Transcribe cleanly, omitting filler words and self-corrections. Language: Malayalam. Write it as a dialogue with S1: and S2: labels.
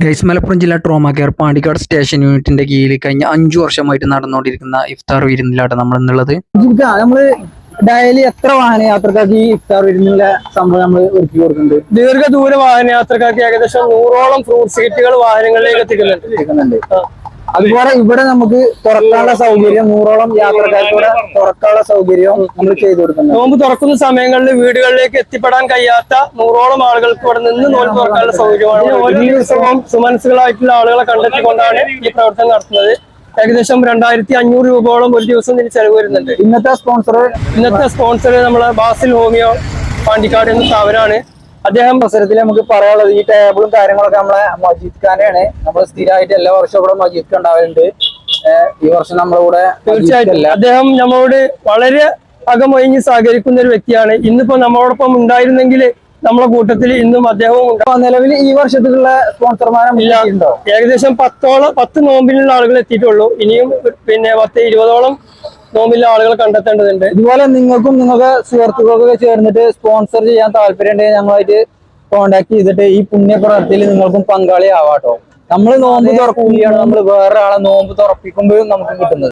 S1: ഗൈസ് മലപ്പുറം ജില്ലാ ട്രോമ കെയർ പാണ്ടിക്കാട് സ്റ്റേഷൻ യൂണിറ്റിന്റെ കീഴിൽ കഴിഞ്ഞ 5 വർഷമായിട്ട് നടന്നുകൊണ്ടിരിക്കുന്ന ഇഫ്താർ വിരുന്നിലാണ് നമ്മൾ എന്നുള്ളത്.
S2: നമ്മള് ഡെയിലി എത്ര വാഹനയാത്രക്കാർക്ക് ഈ ഇഫ്താർ വിരുന്നുള്ള സംഭവം നമ്മൾ ഒരുക്കി കൊടുക്കുന്നുണ്ട്?
S3: ദീർഘദൂര വാഹനയാത്രക്കാർക്ക് ഏകദേശം 100ഓളം ഫ്രൂട്ട് സീറ്റുകൾ വാഹനങ്ങളിലേക്ക് എത്തിക്കുന്നുണ്ട്.
S2: അതുപോലെ ഇവിടെ നമുക്ക് തുറക്കാനുള്ള സൗകര്യം 100ഓളം യാത്രക്കാർക്ക് തുറക്കാനുള്ള സൗകര്യം നമ്മൾ ചെയ്തു കൊടുക്കുന്നുണ്ട്.
S3: നോമ്പ് തുറക്കുന്ന സമയങ്ങളിൽ വീടുകളിലേക്ക് എത്തിപ്പെടാൻ കഴിയാത്ത 100ഓളം ആളുകൾക്ക് ഇവിടെ നിന്ന് നോമ്പ് തുറക്കാനുള്ള സൗകര്യമാണ്. ഓരോ ദിവസവും സുമനസ്സുകളായിട്ടുള്ള ആളുകളെ കണ്ടെത്തിക്കൊണ്ടാണ് ഈ പ്രവർത്തനം നടത്തുന്നത്. ഏകദേശം 2500 രൂപയോളം ഒരു ദിവസം ഇതിന് ചെലവ് വരുന്നുണ്ട്.
S2: ഇന്നത്തെ
S3: സ്പോൺസർ നമ്മളെ ബാസിൽ ഹോമിയോ പാണ്ടിക്കാട് എന്ന സ്ഥാപനമാണ്.
S2: അദ്ദേഹം അവസരത്തിൽ നമുക്ക് പറയാനുള്ളത് ഈ ടേബിളും കാര്യങ്ങളൊക്കെ നമ്മളെ മജീദ് ഖാനെയാണ്. നമ്മൾ സ്ഥിരമായിട്ട് എല്ലാ വർഷവും ഇവിടെ മജീദ് ഖാൻ ഉണ്ടാവലുണ്ട്. ഈ വർഷം നമ്മളിവിടെ
S3: തീർച്ചയായിട്ടും അദ്ദേഹം നമ്മളോട് വളരെ അകമൊഴിഞ്ഞ് സഹകരിക്കുന്ന ഒരു വ്യക്തിയാണ്. ഇന്നിപ്പോ നമ്മളോടൊപ്പം ഉണ്ടായിരുന്നെങ്കിൽ നമ്മളെ കൂട്ടത്തിൽ ഇന്നും അദ്ദേഹവും
S2: നിലവിൽ ഈ വർഷത്തിലുള്ള സ്പോൺസർമാരെ ഉണ്ടോ?
S3: ഏകദേശം 10 നോമ്പിലുള്ള ആളുകൾ എത്തിയിട്ടുള്ളൂ. ഇനിയും പിന്നെ 10-20ഓളം നോമ്പിലുള്ള ആളുകൾ കണ്ടെത്തേണ്ടതുണ്ട്.
S2: ഇതുപോലെ നിങ്ങൾക്കും നിങ്ങൾക്ക് സുഹൃത്തുക്കൾക്കൊക്കെ ചേർന്നിട്ട് സ്പോൺസർ ചെയ്യാൻ താല്പര്യം ഉണ്ടെങ്കിൽ ഞങ്ങളുമായിട്ട് കോൺടാക്ട് ചെയ്തിട്ട് ഈ പുണ്യ പ്രവർത്തിയിൽ നിങ്ങൾക്കും പങ്കാളിയാവാട്ടോ. നമ്മൾ നോമ്പ് തുറക്കുകയാണ്, നമ്മൾ വേറെ ആളെ നോമ്പ് തുറപ്പിക്കുമ്പോഴും നമുക്ക് കിട്ടുന്നത്.